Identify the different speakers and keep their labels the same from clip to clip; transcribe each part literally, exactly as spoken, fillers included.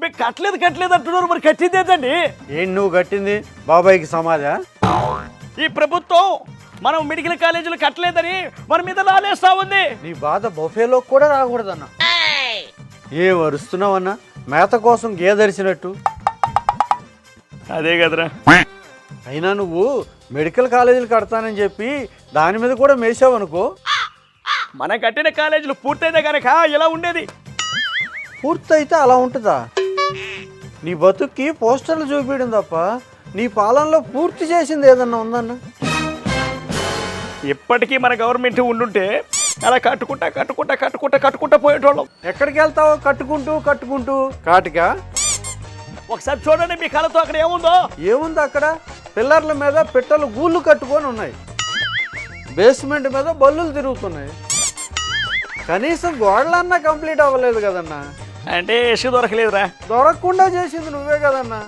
Speaker 1: మీరు కట్టలేదు కట్టలేదు అంటున్నారు, మరి కట్టింది ఏంటండి?
Speaker 2: ఏం నువ్వు కట్టింది బాబాయ్కి సమాధా?
Speaker 1: ఈ ప్రభుత్వం మనం మెడికల్ కాలేజీలు కట్టలేదని మన మీద లాలేస్తా ఉంది.
Speaker 2: నీ బాధ బొఫేలో కూడా రాకూడదన్నా. ఏ వరుస్తున్నావన్నా మేత కోసం గేదరిచినట్టు?
Speaker 1: అదే కదరా.
Speaker 2: అయినా నువ్వు మెడికల్ కాలేజీలు కడతానని చెప్పి దాని మీద కూడా మేసావనుకో,
Speaker 1: మనం కట్టిన కాలేజీలు పూర్తయితే కనుక ఇలా ఉండేది.
Speaker 2: పూర్తయితే అలా ఉంటుందా? నీ బతుక్కి పోస్టర్లు చూపించడం తప్ప నీ పాలనలో పూర్తి చేసింది ఏదన్నా ఉందన్న?
Speaker 1: ఇప్పటికీ మన గవర్నమెంట్ ఉండుంటే అలా కట్టుకుంటా కట్టుకుంటా కట్టుకుంటా కట్టుకుంటా పోయేటోళ్ళం.
Speaker 2: ఎక్కడికి వెళ్తావో కట్టుకుంటూ కట్టుకుంటూ కాటికా?
Speaker 1: ఒకసారి చూడండి మీ కళతో అక్కడ ఏముందో.
Speaker 2: ఏముంది అక్కడ? పిల్లర్ల మీద పిట్టలు గూళ్ళు కట్టుకొని ఉన్నాయి, బేస్మెంట్ మీద బల్లులు తిరుగుతున్నాయి. కనీసం గోడలన్నా కంప్లీట్ అవ్వలేదు కదన్నా.
Speaker 1: అంటే ఇసుక దొరకలేదురా.
Speaker 2: దొరకకుండా చేసింది నువ్వే కదన్నా.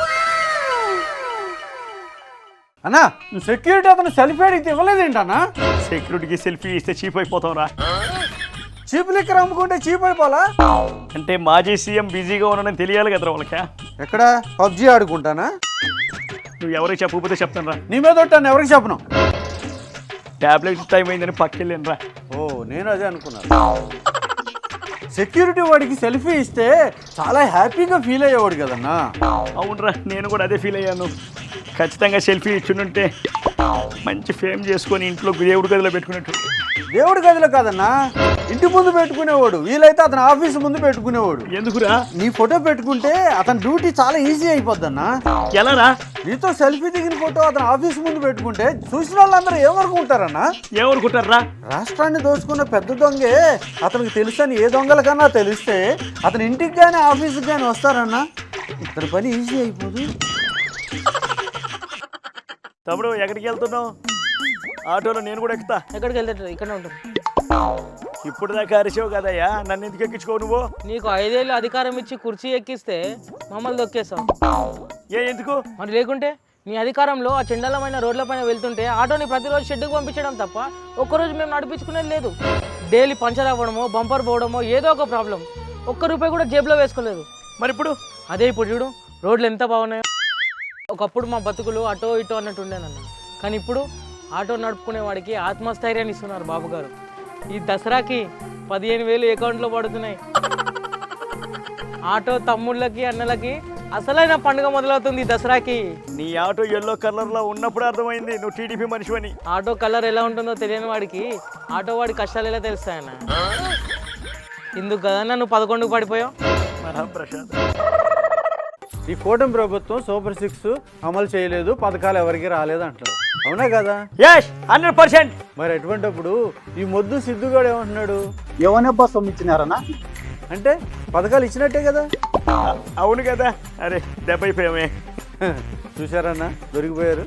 Speaker 2: అన్నా సెక్యూరిటీ అతను సెల్ఫీ అడిగితే ఇవ్వలేదేంటన్నా?
Speaker 1: సెక్యూరిటీకి సెల్ఫీ ఇస్తే చీప్ అయిపోతాం రా.
Speaker 2: చీప్ లిక్కర్ అమ్ముకుంటే చీప్ అయిపోలా?
Speaker 1: అంటే మాజీ సీఎం బిజీగా ఉన్నానని తెలియాలి కదరా వాళ్ళకి.
Speaker 2: ఎక్కడ పబ్జీ ఆడుకుంటానా?
Speaker 1: నువ్వు ఎవరికి చెప్పకపోతే చెప్తాను రా.
Speaker 2: నీ మీద ఒట్టాను, ఎవరికి చెప్పను.
Speaker 1: టాబ్లెట్ టైం అయిందని పక్కెళ్ళాను రా.
Speaker 2: ఓ నేను అదే అనుకున్నాను. సెక్యూరిటీ వాడికి సెల్ఫీ ఇస్తే చాలా హ్యాపీగా ఫీల్ అయ్యేవాడు కదన్నా.
Speaker 1: అవునరా, నేను కూడా అదే ఫీల్ అయ్యాను. ఖచ్చితంగా సెల్ఫీ ఇచ్చుంటే మంచి ఫేమ్ చేసుకొని ఇంట్లో దేవుడి గదిలో పెట్టుకున్నట్టు.
Speaker 2: దేవుడి గదిలో కాదన్నా, ఇంటి ముందు పెట్టుకునేవాడు, వీలైతే అతని ఆఫీస్ ముందు పెట్టుకునేవాడు.
Speaker 1: ఎందుకురా?
Speaker 2: నీ ఫోటో పెట్టుకుంటే అతని డ్యూటీ చాలా ఈజీ అయిపోద్దన్నా.
Speaker 1: ఎలారా?
Speaker 2: నీతో సెల్ఫీ దిగిన ఫోటో అతని ఆఫీస్ ముందు పెట్టుకుంటే చూసిన వాళ్ళందరూ ఏమనుకుంటారన్నా?
Speaker 1: ఏమనుకుంటారా?
Speaker 2: రాష్ట్రాన్ని దోచుకున్న పెద్ద దొంగే అతనికి తెలుసని ఏ దొంగలకన్నా తెలిస్తే అతని ఇంటికి కానీ ఆఫీస్కి కానీ వస్తారన్నా. ఇతని పని ఈజీ అయిపోదు.
Speaker 1: తమ్ముడు ఎక్కడికి వెళ్తున్నావు? ఆటోలో నేను కూడా ఎక్కుతా.
Speaker 3: ఎక్కడికి వెళ్తాడు? ఇక్కడనే ఉంటాం.
Speaker 1: ఇప్పుడు దాకా అరిచావు కదయ్యా, నన్ను ఎందుకు ఎక్కించుకోవు నువ్వు?
Speaker 3: నీకు ఐదేళ్ళు అధికారం ఇచ్చి కుర్చీ ఎక్కిస్తే మమ్మల్ని దొక్కేస్తావు.
Speaker 1: ఏ ఎందుకు
Speaker 3: మరి? లేకుంటే నీ అధికారంలో ఆ చెండలమైన రోడ్లపైన వెళ్తుంటే ఆటోని ప్రతిరోజు షెడ్డుకు పంపించడం తప్ప ఒక్కరోజు మేము నడిపించుకునేది లేదు. డైలీ పంచర్ అవ్వడమో బంపర్ పోవడమో ఏదో ఒక ప్రాబ్లం. ఒక్క రూపాయి కూడా జేబులో వేసుకోలేదు.
Speaker 1: మరి ఇప్పుడు?
Speaker 3: అదే ఇప్పుడు చూడు, రోడ్లు ఎంత బాగున్నాయో. ఒకప్పుడు మా బతుకులు అటో ఇటో అన్నట్టు ఉండేనన్న, కానీ ఇప్పుడు ఆటో నడుపుకునే వాడికి ఆత్మస్థైర్యాన్ని ఇస్తున్నారు బాబు గారు. ఈ దసరాకి పదిహేను వేలు అకౌంట్లో పడుతున్నాయి. ఆటో తమ్ముళ్ళకి అన్నలకి అసలైన పండుగ మొదలవుతుంది దసరాకి.
Speaker 1: నీ ఆటో ఎల్లో కలర్ లో ఉన్నప్పుడు అర్థమైంది నువ్వు టీడీపీ మనిషి అని.
Speaker 3: ఆటో కలర్ ఎలా ఉంటుందో తెలియని వాడికి ఆటో వాడి కష్టాలు ఎలా తెలుస్తాయన్న? ఇందుకు కదన్నా నువ్వు పదకొండుకు పడిపోయావు.
Speaker 1: మహాప్రసాద్,
Speaker 2: ఈ కూటమి ప్రభుత్వం సూపర్ సిక్స్ అమలు చేయలేదు, పథకాలు ఎవరికి రాలేదు అంటారు, అవునా కదా?
Speaker 1: Yes, hundred percent.
Speaker 2: మరి ఎటువంటిప్పుడు ఈ మొద్దు సిద్ధుగాడు ఏమంటున్నాడు?
Speaker 4: ఎవనబ్బా సొమ్మిచ్చినారనా
Speaker 2: అంటే పథకాలు ఇచ్చినట్టే కదా.
Speaker 1: అవును కదా. అరే దెబ్బ అయిపోయామే.
Speaker 2: చూసారన్నా, దొరికిపోయారు.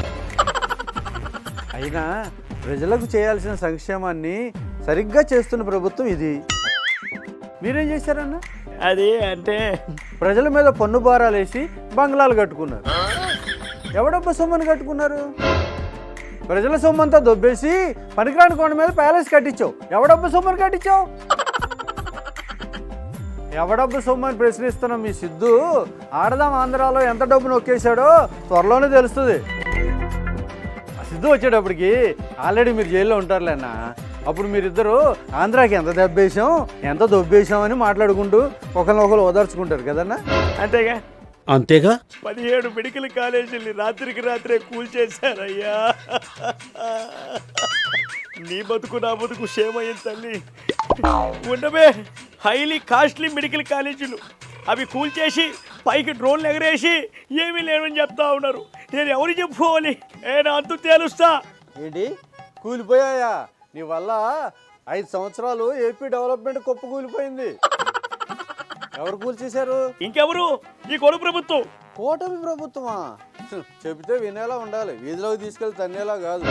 Speaker 2: అయినా ప్రజలకు చేయాల్సిన సంక్షేమాన్ని సరిగ్గా చేస్తున్న ప్రభుత్వం ఇది. మీరేం చేశారన్నా?
Speaker 1: అది అంటే
Speaker 2: ప్రజల మీద పన్ను భారాలు వేసి బంగ్లాలు కట్టుకున్నారు. ఎవడబ్బా సొమ్మని కట్టుకున్నారు? ప్రజల సొమ్మంతా దొబ్బేసి పనికిరాని కొండ మీద ప్యాలెస్ కట్టించావు. ఎవడబ్బా సొమ్మని కట్టించావు? ఎవడబ్బా సొమ్మని ప్రశ్నిస్తున్నా మీ సిద్ధు ఆడదాం ఆంధ్రాలో ఎంత డబ్బు నొక్కేశాడో త్వరలోనే తెలుస్తుంది. ఆ సిద్ధు వచ్చేటప్పటికి ఆల్రెడీ మీరు జైల్లో ఉంటారులేనా. అప్పుడు మీరిద్దరు ఆంధ్రాకి ఎంత దెబ్బేసాం ఎంత దొబ్బేసాం అని మాట్లాడుకుంటూ ఒకరినొకరు ఓదార్చుకుంటారు కదన్నా.
Speaker 1: అంతేగా
Speaker 4: అంతేగా
Speaker 1: పదిహేడు మెడికల్ కాలేజీని రాత్రికి రాత్రే కూల్చేశారయ్యా. నీ బతుకు నా బతుకు క్షేమయ్యింది తల్లి. ఉండబే, హైలీ కాస్ట్లీ మెడికల్ కాలేజీలు అవి కూల్చేసి పైకి డ్రోన్లు ఎగరేసి ఏమీ లేవని చెప్తా ఉన్నారు. నేను ఎవరు చెప్పుకోవాలి? ఏ నా అంతు తేలుస్తా.
Speaker 2: ఏంటి కూలిపోయాయా? నీ వల్ల ఐదు సంవత్సరాలు ఏపీ డెవలప్మెంట్ కుప్ప కూలిపోయింది. ఎవరు కూల్చేశారు?
Speaker 1: ఇంకెవరు? ఈ కొడు ప్రభుత్వం.
Speaker 2: కూటమి ప్రభుత్వమా? చెబితే వినేలా ఉండాలి, వీధిలోకి తీసుకెళ్ళి తన్నేలా కాదు.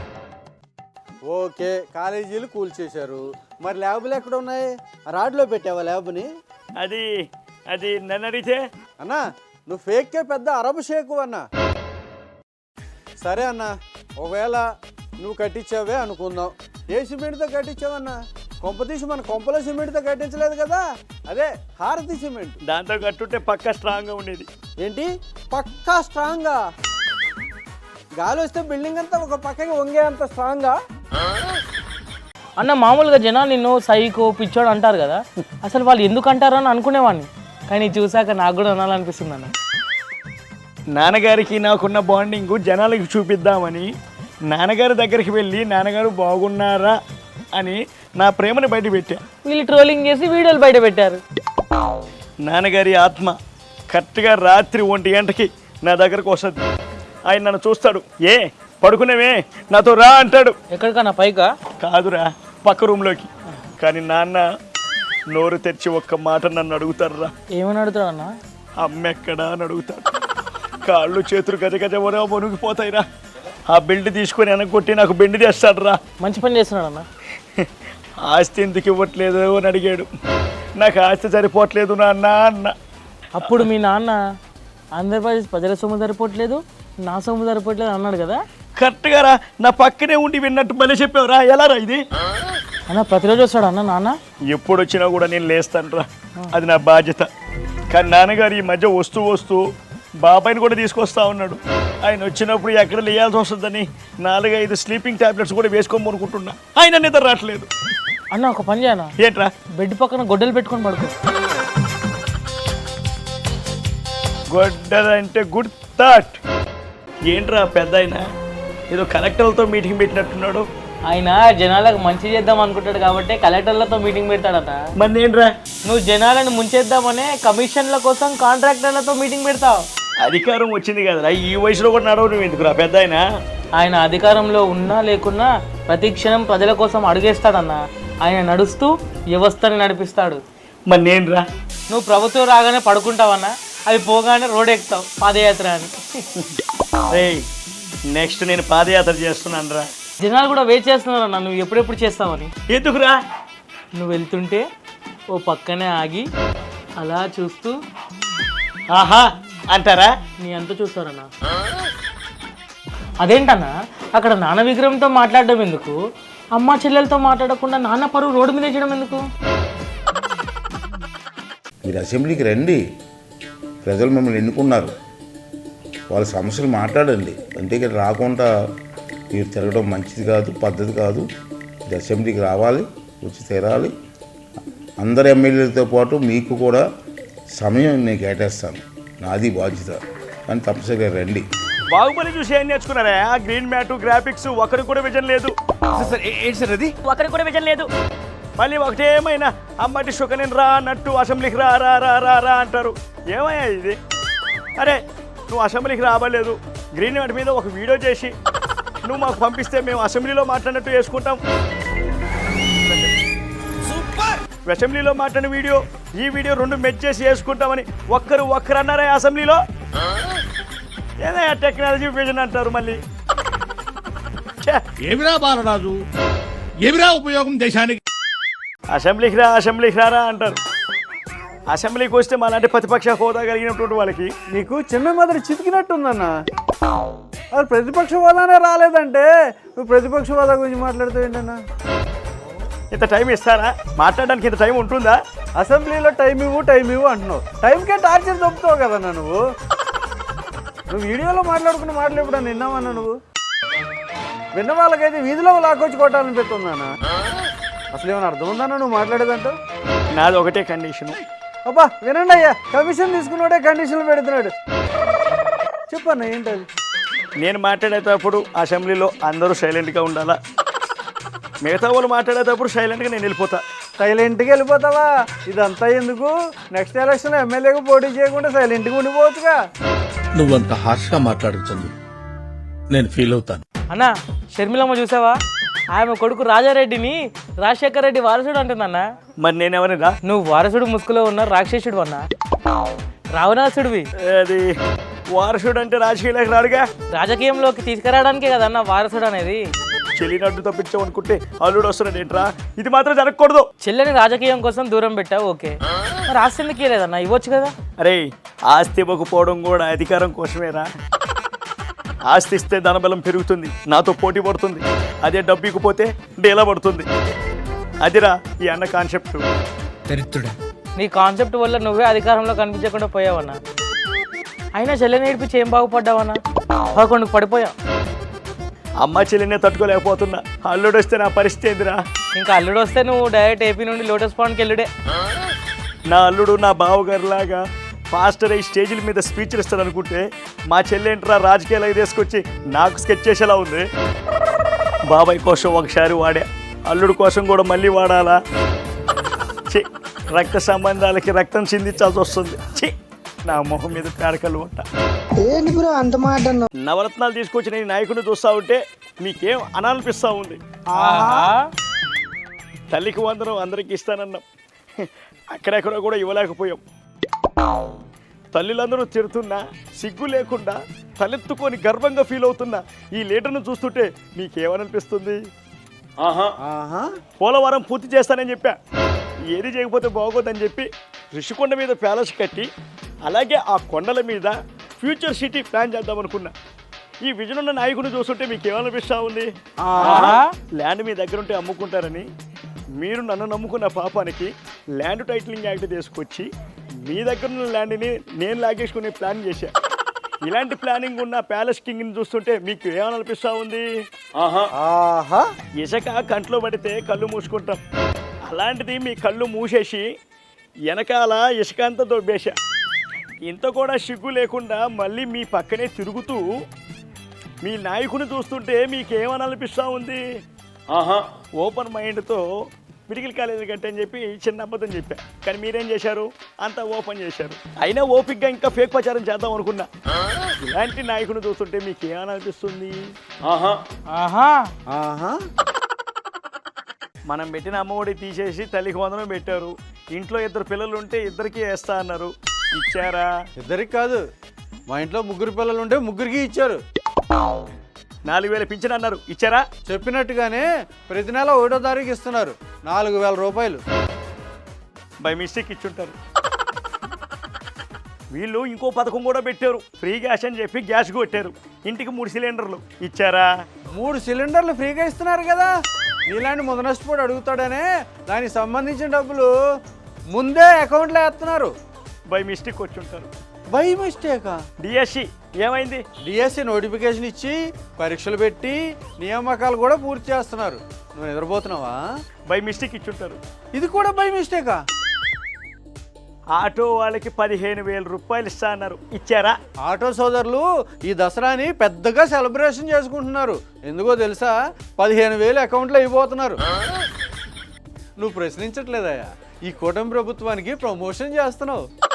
Speaker 2: ఓకే, కాలేజీలు కూల్చేశారు, మరి ల్యాబులు ఎక్కడ ఉన్నాయి? రాడ్లో పెట్టావా ల్యాబ్ని?
Speaker 1: అది అది నన్ను అడిగితే
Speaker 2: అన్నా నువ్వు ఫేక్కే పెద్ద అరబ్ షేకు అన్నా. సరే అన్నా, ఒకవేళ నువ్వు కట్టించావే అనుకుందాం, ఏ సిమెంట్తో కట్టించావన్నా? కొంపతీసి మన కొంపలో సిమెంట్తో కట్టించలేదు కదా, అదే హారతి సిమెంట్.
Speaker 1: దాంతో కట్టుంటే పక్క స్ట్రాంగ్గా ఉండేది.
Speaker 2: ఏంటి పక్కా స్ట్రాంగా? గాలి వస్తే బిల్డింగ్ అంతా ఒక పక్కకి వంగే అంత స్ట్రాంగా?
Speaker 3: అన్న మామూలుగా జనాలు నిన్ను సైకో పిచ్చోడు అంటారు కదా, అసలు వాళ్ళు ఎందుకు అంటారు అని అనుకునేవాడిని, కానీ చూసాక నాకు కూడా అనాలనిపిస్తుంది అన్న.
Speaker 1: నాన్నగారికి నాకున్న బాండింగ్ జనాలకి చూపిద్దామని నాన్నగారి దగ్గరికి వెళ్ళి నాన్నగారు బాగున్నారా అని నా ప్రేమను బయట పెట్టా.
Speaker 3: వీళ్ళు ట్రోలింగ్ చేసి వీడియోలు బయట పెట్టారు.
Speaker 1: నాన్నగారి ఆత్మ కరెక్ట్గా రాత్రి ఒంటి గంటకి నా దగ్గరకు వస్తుంది. ఆయన నన్ను చూస్తాడు, ఏ పడుకునేవే నాతో రా అంటాడు.
Speaker 3: ఎక్కడికన్నా పైకా?
Speaker 1: కాదురా, పక్క రూమ్లోకి. కానీ నాన్న నోరు తెరిచి ఒక్క మాట నన్ను అడుగుతారు రా.
Speaker 3: ఏమని అడుగుతాడు అన్న?
Speaker 1: అమ్మ ఎక్కడా అని అడుగుతాడు. కాళ్ళు చేతులు గజ గజ వర మునిగిపోతాయిరా. ఆ బెల్ట్ తీసుకొని వెనక్కొట్టి నాకు బెండి తెస్తాడు రా.
Speaker 3: మంచి పని చేస్తున్నాడు అన్న.
Speaker 1: ఆస్తి ఎందుకు ఇవ్వట్లేదు అని అడిగాడు. నాకు ఆస్తి సరిపోవట్లేదు నాన్న అన్న.
Speaker 3: అప్పుడు మీ నాన్న ఆంధ్రప్రదేశ్ ప్రజల సొమ్ము సరిపోవట్లేదు, నా సొమ్ము సరిపోవట్లేదు అన్నాడు కదా.
Speaker 1: కరెక్ట్గా రా, నా పక్కనే ఉండి విన్నట్టు భలే చెప్పావురా. ఎలా రా ఇది?
Speaker 3: అన్న ప్రతిరోజు వస్తాడు అన్న నాన్న?
Speaker 1: ఎప్పుడు వచ్చినా కూడా నేను లేస్తాను రా, అది నా బాధ్యత. కానీ నాన్నగారు ఈ మధ్య వస్తూ వస్తూ బాబాయిని కూడా తీసుకొస్తా ఉన్నాడు. ఆయన వచ్చినప్పుడు ఎక్కడ లేయాల్సి వస్తుందని నాలుగైదు స్లీపింగ్ టాబ్లెట్స్ కూడా వేసుకోమనుకుంటున్నా. ఆయన నిద్ర రావట్లేదు.
Speaker 3: అన్న ఒక పని చేయనా?
Speaker 1: ఏంట్రా?
Speaker 3: బెడ్ పక్కన గొడ్డలు పెట్టుకొని పడుకో.
Speaker 1: గొడ్డలంటే గుడ్ థాట్. ఏంట్రా పెద్ద ఆయన ఏదో కలెక్టర్లతో మీటింగ్ పెట్టినట్టున్నాడు.
Speaker 3: ఆయన జనాలకు మంచి చేద్దాం అనుకుంటాడు కాబట్టి కలెక్టర్లతో మీటింగ్ పెడతాడట.
Speaker 1: మరి ఏంట్రా?
Speaker 3: నువ్వు జనాలను ముంచేద్దామనే కమిషన్ల కోసం కాంట్రాక్టర్లతో మీటింగ్ పెడతావు.
Speaker 1: అధికారం వచ్చింది కదరా, ఈ వయసులో కూడా నడవు నువ్వు ఎందుకురా పెద్ద ఆయన?
Speaker 3: ఆయన అధికారంలో ఉన్నా లేకున్నా ప్రతి క్షణం ప్రజల కోసం అడుగేస్తాడన్న. ఆయన నడుస్తూ వ్యవస్థని నడిపిస్తాడు.
Speaker 1: మరి నేనురా?
Speaker 3: నువ్వు ప్రభుత్వం రాగానే పడుకుంటావన్నా, అవి పోగానే రోడ్ ఎక్కుతావు పాదయాత్ర అని.
Speaker 1: రేయ్, నెక్స్ట్ నేను పాదయాత్ర చేస్తున్నాను రా.
Speaker 3: జనాలు కూడా వెయిట్ చేస్తున్నారన్న నువ్వు ఎప్పుడెప్పుడు చేస్తావని.
Speaker 1: ఎందుకురా?
Speaker 3: నువ్వు వెళ్తుంటే ఓ పక్కనే ఆగి అలా చూస్తూ
Speaker 1: ఆహా అంటారా?
Speaker 3: నీ అంత చూస్తారన్నా. అదేంటన్నా అక్కడ నాన్న విగ్రహంతో మాట్లాడడం ఎందుకు? అమ్మ చెల్లెలతో మాట్లాడకుండా నాన్న పరువు రోడ్డు మీద వేయడం ఎందుకు?
Speaker 5: మీరు అసెంబ్లీకి రండి, ప్రజలు మిమ్మల్ని ఎన్నుకున్నారు, వాళ్ళ సమస్యలు మాట్లాడండి. అంటే ఇక్కడ రాకుండా మీరు తిరగడం మంచిది కాదు, పద్ధతి కాదు. ఇది అసెంబ్లీకి రావాలి, వచ్చి తీరాలి. అందరు ఎమ్మెల్యేలతో పాటు మీకు కూడా సమయం నేను కేటాయిస్తాను, నాది బాధ్యత. కానీ తప్పనిసరిగా రండి.
Speaker 1: బాహుబలి చూసి ఏం నేర్చుకున్నారా? గ్రీన్ మ్యాట్, గ్రాఫిక్స్ ఒకరికి కూడా విజన్ లేదు.
Speaker 6: ఏంటి సార్ అది?
Speaker 1: ఒకరికి కూడా విజన్ లేదు. మళ్ళీ ఒకటేమైనా అమ్మటి శుకనేను రా అన్నట్టు అసెంబ్లీకి రా రా రా రా రా అంటారు. ఏమయ్యా ఇది? అరే నువ్వు అసెంబ్లీకి రావలేదు, గ్రీన్ మ్యాట్ మీద ఒక వీడియో చేసి నువ్వు మాకు పంపిస్తే మేము అసెంబ్లీలో మాట్లాడినట్టు వేసుకుంటాం. అసెంబ్లీలో మాట్లాడిన వీడియో ఈ వీడియో రెండు మెచ్ చేసి వేసుకుంటామని ఒక్కరు ఒక్కరు అన్నారా అసెంబ్లీలో? ఏదైనా టెక్నాలజీ విజన్ అంటారు మళ్ళీ.
Speaker 6: ఏమిరా బాలరాజు, ఏమిరా ఉపయోగం దేశానికి?
Speaker 1: అసెంబ్లీకి రా అసెంబ్లీకి రారా అంటారు. అసెంబ్లీకి వస్తే మాలాంటి ప్రతిపక్ష హోదా కలిగినటువంటి వాళ్ళకి
Speaker 2: నీకు చిన్న మొదటి చితికినట్టుందన్న. అది ప్రతిపక్ష హోదానే రాలేదంటే నువ్వు ప్రతిపక్ష హోదా గురించి మాట్లాడుతూ ఏంటన్నా?
Speaker 1: ఇంత టైం ఇస్తారా? మాట్లాడడానికి ఇంత టైం ఉంటుందా?
Speaker 2: అసెంబ్లీలో టైం ఇవ్వు టైం ఇవ్వు అంటున్నావు, టైంకే టార్చర్ చెప్తావు కదన్నా నువ్వు. నువ్వు వీడియోలో మాట్లాడుకున్న మాటలు ఎప్పుడన్నా విన్నావన్నా? నువ్వు విన్న వాళ్ళకైతే వీధిలో లాక్కొచ్చి కొట్టాలని పెడుతుందన్నా. అసలు ఏమైనా అర్థం ఉందన్నా నువ్వు మాట్లాడేదంటూ?
Speaker 1: నాది ఒకటే కండిషను.
Speaker 2: అబ్బా వినండి అయ్యా, కమిషన్ తీసుకున్నాడే కండిషన్లు పెడుతున్నాడు. చెప్పన్నా ఏంటది?
Speaker 1: నేను మాట్లాడేటప్పుడు అసెంబ్లీలో అందరూ సైలెంట్గా ఉండాలా, మిగతా వాళ్ళు మాట్లాడేటప్పుడు సైలెంట్గా నేను వెళ్ళిపోతా.
Speaker 2: సైలెంట్గా వెళ్ళిపోతావా? ఇదంతా ఎందుకు? నెక్స్ట్ ఎలక్షన్లో ఎమ్మెల్యేగా పోటీ చేయకుండా సైలెంట్గా ఉండిపోవచ్చుగా.
Speaker 6: నువ్వంత హార్ష్గా మాట్లాడుతుంది, నేను ఫీల్ అవుతాను.
Speaker 3: అన్న షర్మిలమ్మ చూసావా? ఆమె కొడుకు రాజారెడ్డిని రాజశేఖర రెడ్డి వారసుడు అంటుందన్న.
Speaker 1: మరి నేను ఎవరిరా?
Speaker 3: నువ్వు వారసుడు ముసుగులో ఉన్న రాక్షసుడు అన్న, రావణాసుడివి.
Speaker 1: అది వారసుడు అంటే రాజకీయాలకు రాడుగా,
Speaker 3: రాజకీయంలోకి తీసుకురావడానికే కదన్న వారసుడు అనేది.
Speaker 1: చెల్లినట్టు తప్పించావు అనుకుంటే అల్లుడు వస్తున్నాడు ఏంట్రా? ఇది మాత్రం జరగకూడదు.
Speaker 3: చెల్లెని రాజకీయం కోసం దూరం పెట్టావు, ఓకే, మరి ఆస్తి ఎందుకు ఇవ్వలేదన్న? ఇవ్వచ్చు కదా.
Speaker 1: అరే ఆస్తి ఇవ్వకపోవడం కూడా అధికారం కోసమేరా. ఆస్తి ఇస్తే ధనబలం పెరుగుతుంది, నాతో పోటీ పడుతుంది. అదే డబ్బు ఇకపోతే డేలా పడుతుంది. అదిరా ఈ అన్న కాన్సెప్ట్.
Speaker 6: దరిద్రుడా.
Speaker 3: నీ కాన్సెప్ట్ వల్ల నువ్వే అధికారంలో కనిపించకుండా పోయావన్నా. అయినా చెల్లెని నేర్పించి ఏం బాగుపడ్డావన్నా? పదకొండుకు పడిపోయా.
Speaker 1: అమ్మ చెల్లినే తట్టుకోలేకపోతున్నా, అల్లుడు వస్తే నా పరిస్థితి ఏందిరా?
Speaker 3: ఇంకా అల్లుడు వస్తే నువ్వు డైరెక్ట్ ఏపీ నుండి లోటస్ పాండ్కి వెళ్ళుడే.
Speaker 1: నా అల్లుడు నా బావగారిలాగా ఫాస్టర్ అయ్యి స్టేజీల మీద స్పీచ్లు ఇస్తాడు అనుకుంటే మా చెల్లెంట్రా రాజకీయాలకు తీసుకొచ్చి నాకు స్కెచ్ చేసేలా ఉంది. బాబాయ్ కోసం ఒకసారి వాడా, అల్లుడు కోసం కూడా మళ్ళీ వాడాలా? చి రక్త సంబంధాలకి రక్తం చిందించాల్సి వస్తుంది. చి నా మొహం మీద పేడకలు ఉంటా. నవరత్నాలు తీసుకొచ్చి నేను నాయకుడిని చూస్తా ఉంటే మీకేం అనాలనిపిస్తూ ఉంది? తల్లికి వందనం అందరికి ఇస్తానన్నాం, అక్కడెక్కడ కూడా ఇవ్వలేకపోయాం. తల్లిలందరూ తిడుతున్నా సిగ్గు లేకుండా తలెత్తుకొని గర్వంగా ఫీల్ అవుతున్నా ఈ లీడర్ను చూస్తుంటే మీకేమనిపిస్తుంది?
Speaker 2: ఆహా
Speaker 1: పోలవరం పూర్తి చేస్తానని చెప్పా, ఏది చేయకపోతే బాగోదని చెప్పి ఋషికొండ మీద ప్యాలెస్ కట్టి అలాగే ఆ కొండల మీద ఫ్యూచర్ సిటీ ప్లాన్ చేద్దాం అనుకున్నా. ఈ విజన్ ఉన్న నాయకుడిని చూస్తుంటే మీకు ఏమనిపిస్తా ఉంది? ల్యాండ్ మీ దగ్గర ఉంటే అమ్ముకుంటారని మీరు నన్ను నమ్ముకున్న పాపానికి ల్యాండ్ టైటిలింగ్ యాక్ట్ తీసుకొచ్చి మీ దగ్గర ఉన్న ల్యాండ్ని నేను లాగేసుకునే ప్లాన్ చేశా. ఇలాంటి ప్లానింగ్ ఉన్న ప్యాలెస్ కింగ్ని చూస్తుంటే మీకు ఏమనిపిస్తా ఉంది?
Speaker 2: ఆహా
Speaker 1: ఇసుక కంట్లో పడితే కళ్ళు మూసుకుంటాం, అలాంటిది మీ కళ్ళు మూసేసి వెనకాల ఇసుక అంతా దొబ్బేశా. ఇంత కూడా సిగ్గు లేకుండా మళ్ళీ మీ పక్కనే తిరుగుతూ మీ నాయకుని చూస్తుంటే మీకేమనిపిస్తూ ఉంది? ఓపెన్ మైండ్తో మెడికల్ కాలేజీ కంటే అని చెప్పి చిన్న అబద్ధం చెప్పా, కానీ మీరేం చేశారు? అంతా ఓపెన్ చేశారు. అయినా ఓపిక్గా ఇంకా ఫేక్ ప్రచారం చేద్దాం అనుకున్నా. ఇలాంటి నాయకుని చూస్తుంటే మీకు ఏమనిపిస్తుంది?
Speaker 3: ఆహా
Speaker 2: ఆహా
Speaker 1: మనం పెట్టిన అమ్మఒడి తీసేసి తల్లికి వందనం పెట్టారు. ఇంట్లో ఇద్దరు పిల్లలు ఉంటే ఇద్దరికి వేస్తా అన్నారు, ఇచ్చారా?
Speaker 2: ఇద్దరికి కాదు, మా ఇంట్లో ముగ్గురు పిల్లలు ఉంటే ముగ్గురికి ఇచ్చారు.
Speaker 1: నాలుగు వేల పింఛన్ అన్నారు, ఇచ్చారా?
Speaker 2: చెప్పినట్టుగానే ప్రతి నెల ఒకటో తారీఖు ఇస్తున్నారు, నాలుగు వేల రూపాయలు.
Speaker 1: బై మిస్టేక్ ఇచ్చుంటారు. వీళ్ళు ఇంకో పథకం కూడా పెట్టారు, ఫ్రీ గ్యాస్ అని చెప్పి గ్యాస్ కొట్టారు. ఇంటికి మూడు సిలిండర్లు ఇచ్చారా?
Speaker 2: మూడు సిలిండర్లు ఫ్రీగా ఇస్తున్నారు కదా, ఇలాంటి ముందు నష్టపోడు అడుగుతాడనే దానికి సంబంధించిన డబ్బులు ముందే అకౌంట్లో వేస్తున్నారు.
Speaker 1: బై మిస్టేక్ వచ్చుంటారు.
Speaker 2: బై మిస్టేకా?
Speaker 1: డిఎస్సి ఏమైంది?
Speaker 2: డిఎస్సి నోటిఫికేషన్ ఇచ్చి పరీక్షలు పెట్టి నియామకాలు కూడా పూర్తి చేస్తున్నారు. నువ్వు నిద్రపోతున్నావా?
Speaker 1: By mistake ఇచ్చుంటారు.
Speaker 2: ఇది కూడా బై మిస్టేకా?
Speaker 1: ఆటో వాళ్ళకి పదిహేను వేల రూపాయలు ఇస్తా అన్నారు, ఇచ్చారా?
Speaker 2: ఆటో సోదరులు ఈ దసరాని పెద్దగా సెలబ్రేషన్ చేసుకుంటున్నారు. ఎందుకో తెలుసా? పదిహేను వేలు అకౌంట్లో అయిపోతున్నారు. నువ్వు ప్రశ్నించట్లేదయ్యా, ఈ కూటమి ప్రభుత్వానికి ప్రమోషన్ చేస్తున్నావు.